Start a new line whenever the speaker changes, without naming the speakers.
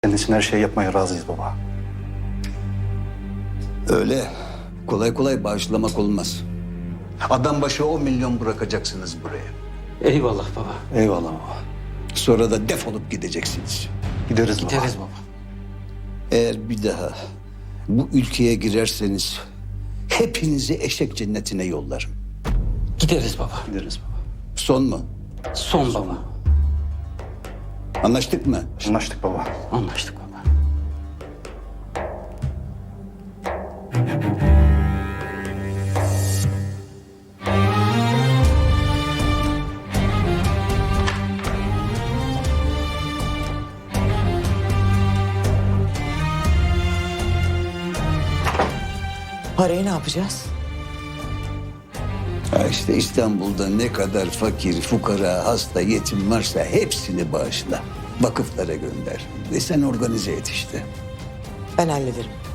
Senin için her şeyi yapmaya razıyız baba.
Öyle kolay kolay bağışlamak olmaz. Adam başı 10 milyon bırakacaksınız buraya.
Eyvallah baba.
Eyvallah baba.
Sonra da defolup gideceksiniz.
Gideriz baba.
Gideriz baba.
Eğer bir daha bu ülkeye girerseniz hepinizi eşek cennetine yollarım.
Gideriz baba.
Gideriz baba.
Son mu?
Son baba.
Anlaştık mı?
Anlaştık baba.
Anlaştık baba.
Parayı ne yapacağız?
Ha işte İstanbul'da ne kadar fakir, fukara, hasta, yetim varsa hepsini bağışla. Vakıflara gönder. Ve sen organize et işte.
Ben hallederim.